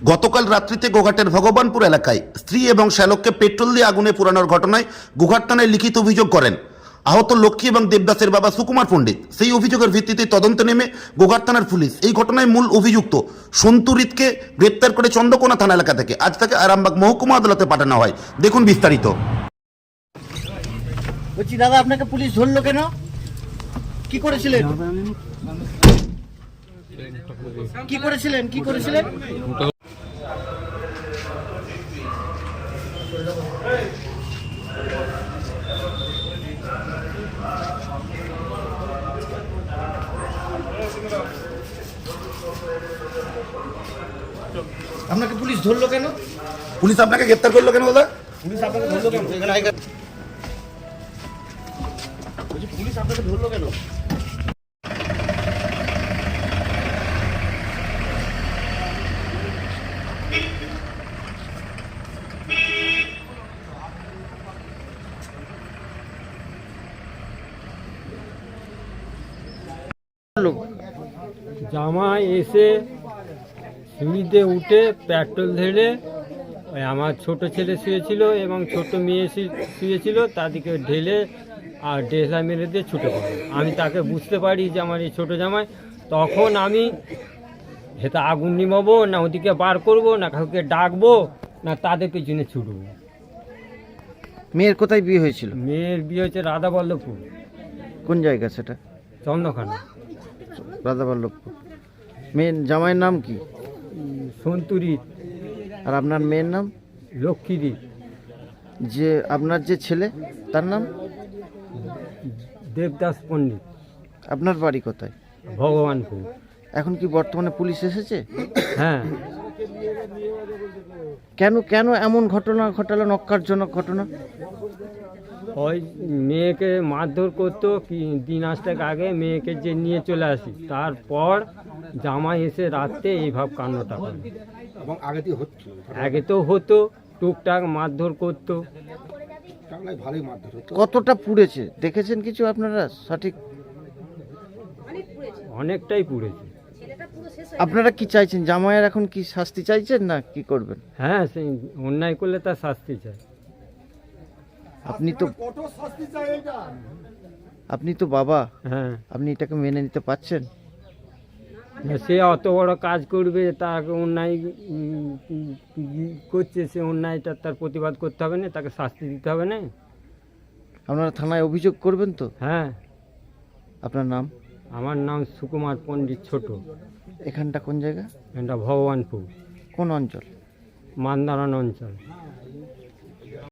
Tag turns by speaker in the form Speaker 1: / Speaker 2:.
Speaker 1: গতকাল রাত্রিতে গোঘাটের ভগবানপুর এলাকায় স্ত্রী এবং শ্যালককে পেট্রোল দিয়ে আগুনে পোড়ানোর ঘটনায় গোঘাট থানায় লিখিত অভিযোগ করেন আহত লক্ষ্মী এবং দেবদাসের বাবা সুকুমার পণ্ডিত। সেই অভিযোগের ভিত্তিতে তদন্তে নেমে গোঘাট থানার পুলিশ এই ঘটনায় মূল অভিযুক্ত সন্তুরিতকে গ্রেপ্তার করে চন্দ্রকোনা থানা এলাকা থেকে আজ তাকে আরামবাগ মহকুমা আদালতে পাঠানো হয়। দেখুন বিস্তারিত।
Speaker 2: বলছি দাদা, আপনাকে পুলিশ ধরলো কেন? কি করেছিলেন? কি করেছিলেন? কি করেছিলেন? আপনাকে পুলিশ ধরলো কেন?
Speaker 1: পুলিশ আপনাকে গ্রেপ্তার করলো কেন দাদা?
Speaker 2: পুলিশ আপনাকে ধরলো কেন? বলছি পুলিশ আপনাকে ধরলো কেন?
Speaker 3: জামাই এসে সিঁড়িতে উঠে পেট্রোল ঢেলে ওই আমার ছোট ছেলে শুয়েছিল এবং ছোট মেয়ে শুয়েছিল, তাদেরকে ঢেলে আর ডেসা মেরে দিয়ে ছুটে পড়ে। আমি তাকে বুঝতে পারি যে আমার এই ছোটো জামাই, তখন আমি হেতা আগুন নিমাবো না ওদিকে বার করব না কাউকে ডাকবো না তাদের পেছনে ছুটবো।
Speaker 2: মেয়ের কোথায় বিয়ে হয়েছিল?
Speaker 3: মেয়ের বিয়ে হচ্ছে রাধাবল্লভপুর,
Speaker 2: কোন জায়গা সেটা?
Speaker 3: চন্দ্রখানা।
Speaker 2: রাধাবল্লভপুর। মেয়ের জামাইয়ের নাম কি?
Speaker 3: সন্তুরিত।
Speaker 2: আর আপনার মেয়ের নাম?
Speaker 3: লক্ষ্মীদি।
Speaker 2: যে আপনার যে ছেলে তার নাম?
Speaker 3: দেবদাস পণ্ডিত।
Speaker 2: আপনার বাড়ি কোথায়?
Speaker 3: ভগবানপুর।
Speaker 2: এখন কি বর্তমানে পুলিশ এসেছে?
Speaker 3: হ্যাঁ।
Speaker 2: কেন কেন এমন ঘটনা ঘটালো, নক্কারজনক ঘটনা?
Speaker 3: ওই মেয়েকে মারধর করতো কি 3 মাস আগে মেয়েকে যে নিয়ে চলে আসি, তারপর জামাই এসে রাত্রে এইভাব কাণ্ডটা করে।
Speaker 4: এবং
Speaker 3: আগে তো হতো, টুকটাক মারধর করতো।
Speaker 4: ভালোই মারধর হতো।
Speaker 2: কতটা পুড়েছে দেখেছেন কিছু আপনারা সঠিক?
Speaker 3: অনেকটাই পুড়েছে।
Speaker 2: আপনারা কি চাইছেন? জামাইয়ের এখন কি শাস্তি চাইছেন না কি করবেন?
Speaker 3: হ্যাঁ, সেই অন্যায় করলে তার শাস্তি চাই।
Speaker 2: আপনি তো বাবা,
Speaker 3: হ্যাঁ।
Speaker 2: আপনি এটাকে মেনে নিতে পারছেন?
Speaker 3: সে অত বড় কাজ করবে, তাকে অন্যায় করছে, সে অন্যায়টা তার প্রতিবাদ করতে হবে না, তাকে শাস্তি দিতে হবে না।
Speaker 2: আপনারা থানায় অভিযোগ করবেন তো?
Speaker 3: হ্যাঁ।
Speaker 2: আপনার নাম?
Speaker 3: আমার নাম সুকুমার পণ্ডিত ছোট।
Speaker 2: এখানটা কোন জায়গা?
Speaker 3: এটা ভগবানপুর,
Speaker 2: কোন অঞ্চল?
Speaker 3: মান্দারান অঞ্চল।